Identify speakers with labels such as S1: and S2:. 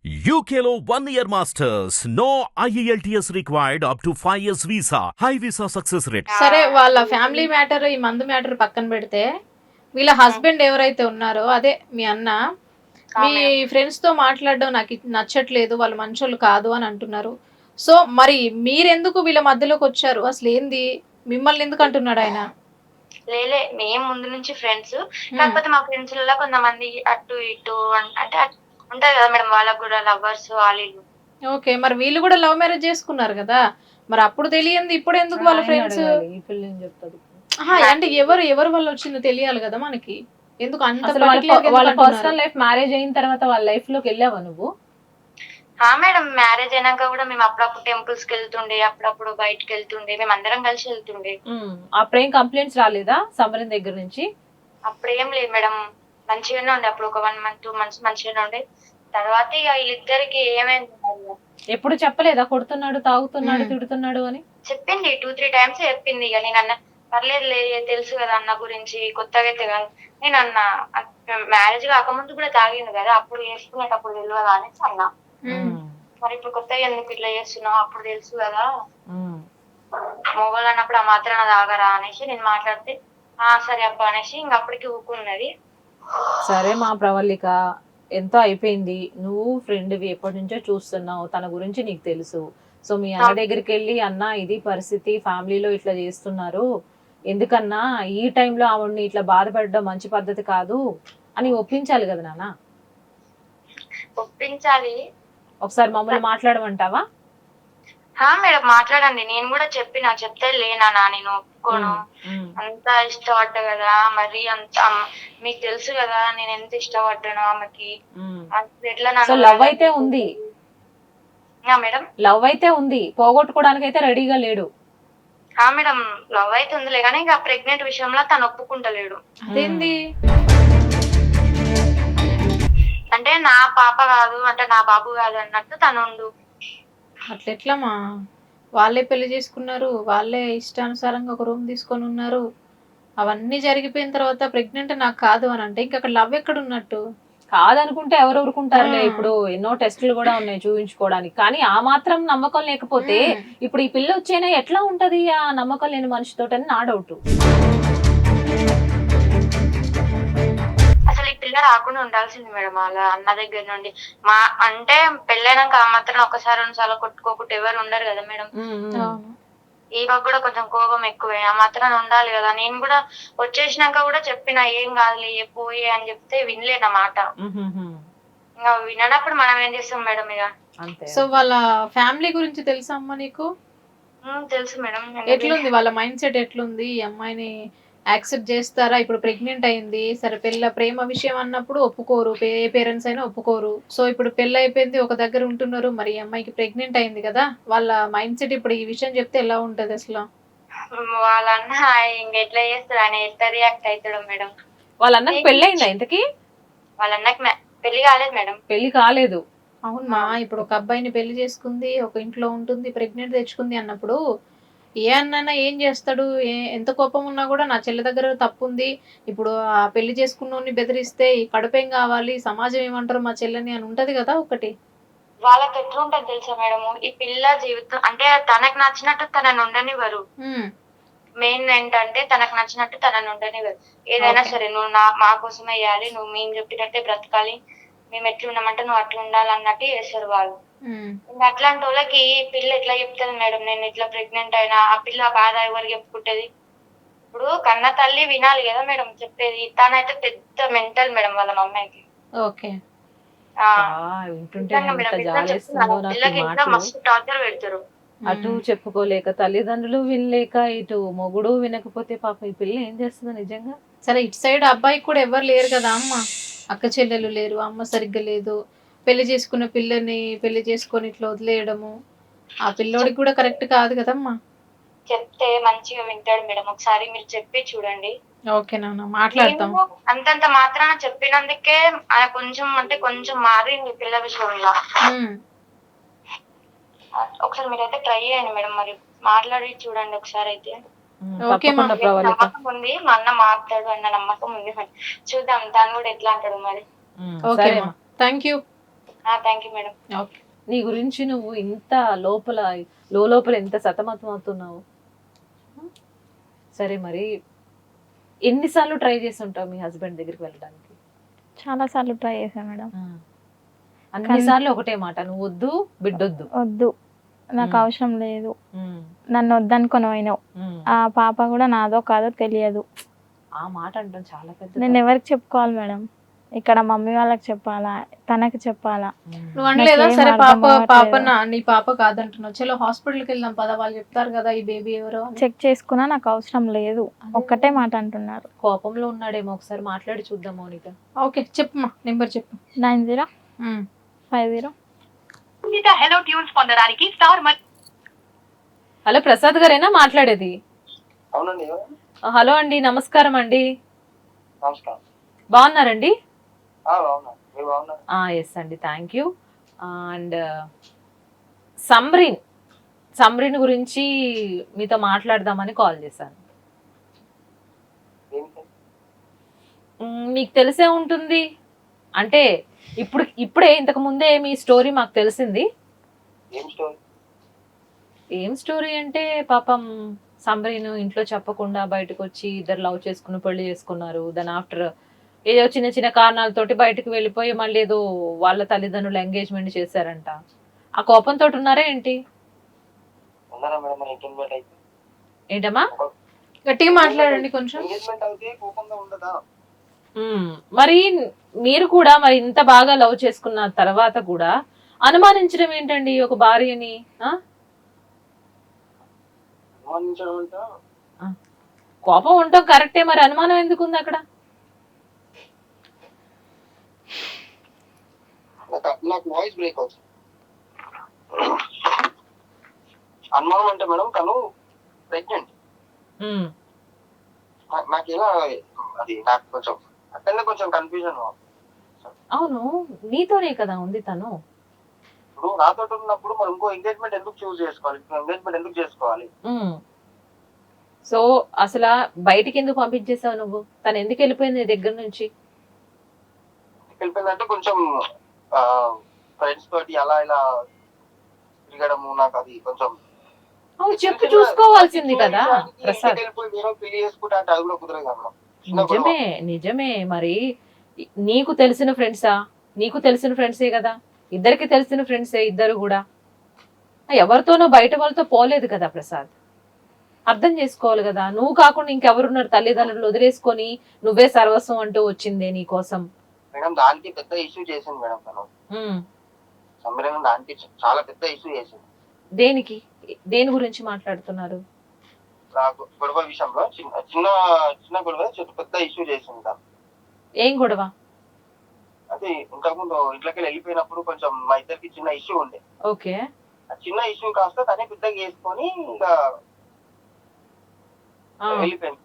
S1: UKLO 1 year masters. No IELTS required up to 5 years visa. High visa success rate.
S2: సరే వాళ్ళ family matter ఈ మందు matter పక్కన పెడితే వీళ్ళ హస్బెండ్ ఎవరైతే ఉన్నారో అదే మీ అన్న మీ ఫ్రెండ్స్ తో మాట్లాడడం నాకు నచ్చట్లేదు, వాళ్ళు మంచోళ్ళు కాదు అని అంటున్నారు. సో మరి మీరెందుకు వీళ్ళ మధ్యలోకి వచ్చారు? అసలు ఏంది, మిమ్మల్ని ఎందుకు అంటున్నాడు ఆయన?
S3: లేలే మేము ముందు నుంచి ఫ్రెండ్స్. కాకపోతే మా ఫ్రెండ్స్ లలో కొంతమంది అటు ఇటు అంటే ఉంటది కదా మేడం, వాళ్ళకు కూడా లవర్స్ వాళ్ళు.
S2: ఓకే, మరి వీళ్ళు కూడా లవ్ మ్యారేజ్ చేసుకున్నారు కదా, మరి అప్పుడు తెలియంది ఇప్పుడు ఎందుకు వాళ్ళ ఫ్రెండ్స్? అంటే ఎవరు ఎవరు వాళ్ళు వచ్చిందో తెలియాలి కదా మనకి. ఎందుకు అంత
S4: వాళ్ళ పర్సనల్ లైఫ్ మ్యారేజ్ అయిన తర్వాత వాళ్ళ లైఫ్ లోకి వెళ్ళావా నువ్వు?
S3: మేడం మ్యారేజ్ అయినాక కూడా మేము అప్పుడప్పుడు టెంపుల్స్ కి వెళ్తుండే, అప్పుడప్పుడు బయటకి వెళ్తుండే, మేము అందరం కలిసి వెళ్తుండే.
S4: అప్పుడేం కంప్లైంట్స్ రాలేదా సమరం దగ్గర నుంచి?
S3: అప్పుడేం లేదు మేడం, మంచిగానే ఉండే. అప్పుడు ఒక 1 month 2 months మంచిగానే ఉండే. తర్వాత ఇక వీళ్ళిద్దరికి ఏమైంది
S4: ఎప్పుడు చెప్పలేదా కొడుతున్నాడు, తాగుతున్నాడు, తిడుతున్నాడు అని?
S3: చెప్పింది 2-3 times చెప్పింది. ఇక నేను అన్న పర్లేదులే, తెలుసు కదా అన్న గురించి, కొత్తగా అయితే కాదు. నేను అన్న మ్యారేజ్ కాకముందు కూడా తాగింది కదా, అప్పుడు చేసుకునేటప్పుడు తెలియదా అనేసి అన్నా. మరి ఇప్పుడు కొత్తగా ఎందుకు ఇట్లా చేస్తున్నావు, అప్పుడు తెలుసు కదా మొగోళ్ళు అన్నప్పుడు ఆ మాత్రాన తాగరా అనేసి నేను మాట్లాడితే సరే అబ్బా అనేసి ఇంక అప్పటికి ఊకున్నది.
S4: సరే మా ప్రవళిక, ఎంతో అయిపోయింది. నువ్వు ఫ్రెండ్వి, ఎప్పటి నుంచో చూస్తున్నావు, తన గురించి నీకు తెలుసు. సో మీ అన్న దగ్గరికి వెళ్ళి అన్న ఇది పరిస్థితి, ఫ్యామిలీలో ఇట్లా చేస్తున్నారు, ఎందుకన్నా ఈ టైంలో ఆవిడ్ని ఇట్లా బాధపడడం మంచి పద్ధతి కాదు అని ఒప్పించాలి కదా నాన్న.
S3: ఒప్పించాలి.
S4: ఒకసారి మమ్మల్ని మాట్లాడమంటావా?
S3: మేడం మాట్లాడండి, నేను కూడా చెప్తే లేనా నేను ఒప్పుకోను, అంతా ఇష్టపడ్డా కదా, మరి అంత మీకు తెలుసు కదా నేను ఎంత ఇష్టపడ్డాను ఆమెకి. ఎట్లా
S4: లవ్ అయితే ఉంది
S3: మేడం,
S4: లవ్ అయితే ఉంది, పోగొట్టుకోవడానికి అయితే రెడీగా లేడు.
S3: మేడం లవ్ అయితే ఉందిలే కానీ ఇంకా ప్రెగ్నెంట్ విషయంలో తను ఒప్పుకుంటలేడు.
S2: అదేంది?
S3: అంటే నా పాప కాదు, అంటే నా బాబు కాదు అన్నట్టు తను ఉండు.
S2: అట్లెట్లమ్మా, వాళ్ళే పెళ్లి చేసుకున్నారు, వాళ్ళే ఇష్టానుసారంగా ఒక రూమ్ తీసుకొని ఉన్నారు, అవన్నీ జరిగిపోయిన తర్వాత ప్రెగ్నెంట్ నాకు కాదు అని అంటే ఇంకా అక్కడ లవ్ ఎక్కడ ఉన్నట్టు?
S4: కాదనుకుంటే ఎవరు ఊరుకుంటారులే, ఇప్పుడు ఎన్నో టెస్టులు కూడా ఉన్నాయి చూపించుకోవడానికి. కానీ ఆ మాత్రం నమ్మకం లేకపోతే ఇప్పుడు ఈ పిల్ల వచ్చేనా ఎట్లా ఉంటది ఆ నమ్మకం లేని మనిషితోటని నా డౌట్.
S3: అసలు ఈ పిల్ల రాకుండా ఉండాల్సింది మేడం వాళ్ళ అన్న దగ్గర నుండి. అంటే పెళ్ళైనాక ఆ మాత్రం ఒకసారి 2 సార్లు కొట్టుకోకుండా ఎవరు ఉండరు కదా మేడం. ఈమెకు కూడా కొంచెం కోపం ఎక్కువే, ఆ మాత్రం ఉండాలి కదా. నేను కూడా వచ్చేసినాక కూడా చెప్పిన ఏం కాదులే పోయే అని చెప్తే వినలేనమాట. ఇంకా వినప్పుడు మనం ఏం చేస్తాం మేడం ఇక.
S2: సో వాళ్ళ ఫ్యామిలీ గురించి తెలుసా అమ్మ నీకు?
S3: తెలుసు మేడం.
S2: ఎట్లుంది వాళ్ళ మైండ్ సెట్, ఎట్లుంది? ఈ అమ్మాయిని యాక్సెప్ట్ చేస్తారా? ఇప్పుడు ప్రెగ్నెంట్ అయింది, సరే ప్రేమ విషయం అన్నప్పుడు ఒప్పుకోరు, ఏ పేరెంట్స్ అయినా ఒప్పుకోరు. సో ఇప్పుడు పెళ్లి అయిపోయింది, ఒక దగ్గర ఉంటున్నారు, మరి ఈ అమ్మాయికి ప్రెగ్నెంట్ అయింది కదా, వాళ్ళ మైండ్ సెట్ ఇప్పుడు ఈ విషయం చెప్తే ఎలా ఉంటది అసలు?
S3: వాళ్ళన్న ఇంక ఎట్లా చేస్తాడు, ఆయన ఎట్లా రియాక్ట్ అవుతాడు మేడం?
S4: వాళ్ళ అన్నకి పెళ్లి అయిందా ఇంతకి?
S3: వాళ్ళ అన్నకి పెళ్లి కాలేదు మేడం.
S4: పెళ్లి కాలేదు?
S2: అవునమ్మా, ఇప్పుడు ఒక అబ్బాయిని పెళ్లి చేసుకుంది, ఒక ఇంట్లో ఉంటుంది, ప్రెగ్నెంట్ తెచ్చుకుంది అన్నప్పుడు ఏ అన్న ఏం చేస్తాడు? ఎంత కోపం ఉన్నా కూడా నా చెల్లి దగ్గర తప్పు ఉంది, ఇప్పుడు ఆ పెళ్లి చేసుకున్నోని బెదిరిస్తే ఈ కడుపేం కావాలి, సమాజం ఏమంటారు మా చెల్లని అని ఉంటది కదా ఒకటి.
S3: వాళ్ళకి ఎట్లుంటది తెలుసా మేడము, ఈ పిల్ల జీవితం అంటే తనకు నచ్చినట్టు తనని ఉండనివ్వరు. మెయిన్ ఏంటంటే తనకు నచ్చినట్టు తనని ఉండనివ్వరు. ఏదైనా సరే నువ్వు మా కోసం వేయాలి, నువ్వు మేము చెప్పినట్టే బ్రతకాలి, మేము ఎట్లున్నామంటే నువ్వు అట్లా ఉండాలన్నట్టు చేస్తారు వాళ్ళు. ఇంకా అట్లాంటి వాళ్ళకి పిల్ల ఎట్లా చెప్తుంది మేడం నేను ఇట్లా ప్రెగ్నెంట్ అయినా? ఆ పిల్ల బాధ ఎవరికి చెప్పుకుంటది? ఇప్పుడు కన్న తల్లి వినాలి కదా మేడం చెప్పేది. తనైతే పెద్ద మెంటల్ మేడం వాళ్ళ మమ్మీకి.
S2: ఓకే,
S3: మస్తు టార్చర్ పెడతారు.
S4: అటు చెప్పుకోలేక, తల్లిదండ్రులు వినలేక, ఇటు మొగుడు వినకపోతే పాప ఈ పిల్ల ఏం చేస్తుందో నిజంగా.
S2: సరే ఇటు సైడ్ అబ్బాయికి కూడా ఎవరు లేరు కదా అమ్మ, అక్క చెల్లెలు లేరు, అమ్మ సరిగ్గా లేదు, పెళ్లి చేసుకున్న పిల్లని పెళ్లి చేసుకొని ఇట్లా వదిలేయడము ఆ పిల్లోడికి కూడా కరెక్ట్ కాదు కదమ్మా.
S3: చెప్తే మంచిగా వింటాడు మేడం, ఒకసారి మీరు చెప్పి చూడండి.
S2: ఓకే నాన్న, మాట్లాడతాం.
S3: అంతంత మాత్రాన చెప్పినందుకే కొంచెం అంటే కొంచెం మారింది పిల్ల విషయంలో. ఒకసారి మీరైతే ట్రై చేయండి మేడం, మరి మాట్లాడి చూడండి ఒకసారి అయితే. నమ్మకం ఉంది, మా అన్న మాట్లాడు అన్న నమ్మకం ఉంది, చూద్దాం తను కూడా ఎట్లా అంటాడు మరి.
S2: Okay, thank you.
S3: Thank you madam.
S2: Okay.
S4: నీ గురించి నువ్వు ఇంత లోపల ఎంత సతమతం అవుతున్నావు. సరే మరి ఎన్నిసార్లు ట్రై చేసి ఉంటావు మీ హస్బెండ్ దగ్గరికి వెళ్ళడానికి?
S5: చాలా సార్లు ట్రై చేశాను మేడం.
S4: అన్నిసార్లు ఒకటే మాట, నువ్వు వద్దు, బిడ్డొద్దు.
S5: వద్దు, నాకు అవసరం లేదు, నన్ను వద్దనుకొని పోయినావు, ఆ పాప కూడా నాదో కాదో తెలియదు.
S4: ఆ మాట అంటాం చాలా పెద్ద.
S5: నేను ఎవరికి చెప్పుకోవాలి మేడం? ఇక్కడ మమ్మీ వాళ్ళకి చెప్పాలా, తనకి చెప్పాలా?
S2: నువ్వు అనలేదా?
S5: నాకేం
S2: సరే
S5: అర్థం
S2: పాప
S5: అవ్వట్లేదు.
S2: నీ పాప కాదంటున్నావు, చలో హాస్పిటల్కి వెళ్దాం పద, వాళ్ళు చెప్తారు కదా ఈ బేబీ ఎవరో అని.
S5: చెక్ చేసుకున్నా నాకు అవసరం లేదు, ఒక్కటే మాట అంటున్నారు.
S4: కోపంలో ఉన్నాడేమో, ఒకసారి మాట్లాడి చూద్దాం మౌనిక.
S2: ఓకే చెప్పమ్మా, నెంబర్ చెప్పు.
S5: 9050.
S6: హలో ట్యూన్స్ పొందడానికి స్టార్
S4: హలో ప్రసాద్ గారేనా మాట్లాడేది?
S7: అవునండి.
S4: హలో అండి, నమస్కారం అండి.
S7: నమస్కారం.
S4: బాగున్నారండి?
S7: బాగున్నా, మీరు బాగున్నారు?
S4: ఎస్ అండి, థ్యాంక్ యూ. అండ్ సమ్రీన్ గురించి మీతో మాట్లాడదామని కాల్ చేశాను.
S7: ఏంటి?
S4: మీకు తెలిసే ఉంటుంది అంటే ఇప్పుడే ఇంతకు ముందే మీ స్టోరీ మాకు తెలిసింది.
S7: ఏం స్టోరీ?
S4: ఏం స్టోరీ అంటే పాపం సమ్రీన్ ఇంట్లో చెప్పకుండా బయటకు వచ్చి ఇద్దరు లవ్ చేసుకుని పెళ్లి చేసుకున్నారు. దాని ఆఫ్టర్ ఏదో చిన్న చిన్న కారణాలతోటి బయటకు వెళ్ళిపోయి మళ్ళీ ఏదో వాళ్ళ తల్లిదండ్రులు ఎంగేజ్మెంట్ చేశారంట. ఆ కోపంతో ఉన్నారా ఏంటి?
S7: ఉన్నారా మేడం? మరి ఎంగేజ్మెంట్ అయితే
S4: ఏంటమ్మా?
S2: గట్టిగా మాట్లాడండి కొంచెం.
S7: ఎంగేజ్మెంట్ అయితే కోపంగా ఉండదా?
S4: మరి మీరు కూడా మరి ఇంత బాగా లవ్ చేసుకున్న తర్వాత కూడా అనుమానించడం ఏంటండి ఒక భార్యని?
S7: అనుమానించడం అంటే
S4: కోపం ఉండటం కరెక్టే, మరి అనుమానం ఎందుకు ఉంది అక్కడ?
S7: నాకు వాయిస్ బ్రేక్ అవుతుంది. అనుమానం అంటే మేడం తను ప్రెగ్నెంట్. నాకు ఎలా అది నాకు కొంచెం అక్కడ కొంచెం కన్ఫ్యూజన్.
S4: అవును, నీతోనే కదా ఉంది తను.
S7: ఇప్పుడు నాతో ఉన్నప్పుడు మనం ఇంకో ఎంగేజ్మెంట్ ఎందుకు చూస్ చేసుకోవాలి? ఎంగేజ్మెంట్ ఎందుకు చేసుకోవాలి?
S4: సో అసలు బయటికి ఎందుకు పంపించేసావు నువ్వు? తను ఎందుకు వెళ్ళిపోయింది నీ దగ్గర నుంచి?
S7: వెళ్ళిపోయిందంటే కొంచెం ఫ్రెండ్స్ తోటి అలా ఇలా తిరగడము, నాకు అది కొంచెం
S4: చెప్పి చూసుకోవాల్సింది కదా ప్రసాద్.
S7: పెళ్లి చేసుకుంటా అంటే అది కూడా కుదరదు కదా.
S4: నిజమే. మరి నీకు తెలిసిన ఫ్రెండ్సా? నీకు తెలిసిన ఫ్రెండ్సే కదా, ఇద్దరికి తెలిసిన ఫ్రెండ్సే ఇద్దరు కూడా. ఎవరితోనో బయట వాళ్ళతో పోలేదు కదా ప్రసాద్. అర్థం చేసుకోవాలి కదా. నువ్వు కాకుండా ఇంకెవరున్నారు? తల్లిదండ్రులు వదిలేసుకొని నువ్వే సర్వస్వం అంటూ వచ్చిందే నీ కోసం.
S7: మేడం దానికి పెద్ద ఇష్యూ చేసింది మేడం తను. సమ్మెలను దానికి చాలా పెద్ద ఇష్యూ చేసింది.
S4: దేనికి? దేని గురించి మాట్లాడుతున్నారు?
S7: గొడవ విషయంలో చిన్న గొడవ పెద్ద ఇష్యూ చేసింది తను.
S4: ఏం గొడవ?
S7: అంటే ఇంతకుముందు ఇంట్లోకి వెళ్ళిపోయినప్పుడు కొంచెం మా ఇద్దరికి చిన్న ఇష్యూ ఉండే.
S4: ఓకే.
S7: ఆ చిన్న ఇష్యూ కాస్త తనే పెద్దగా చేసుకొని ఇంకా వెళ్ళిపోయింది.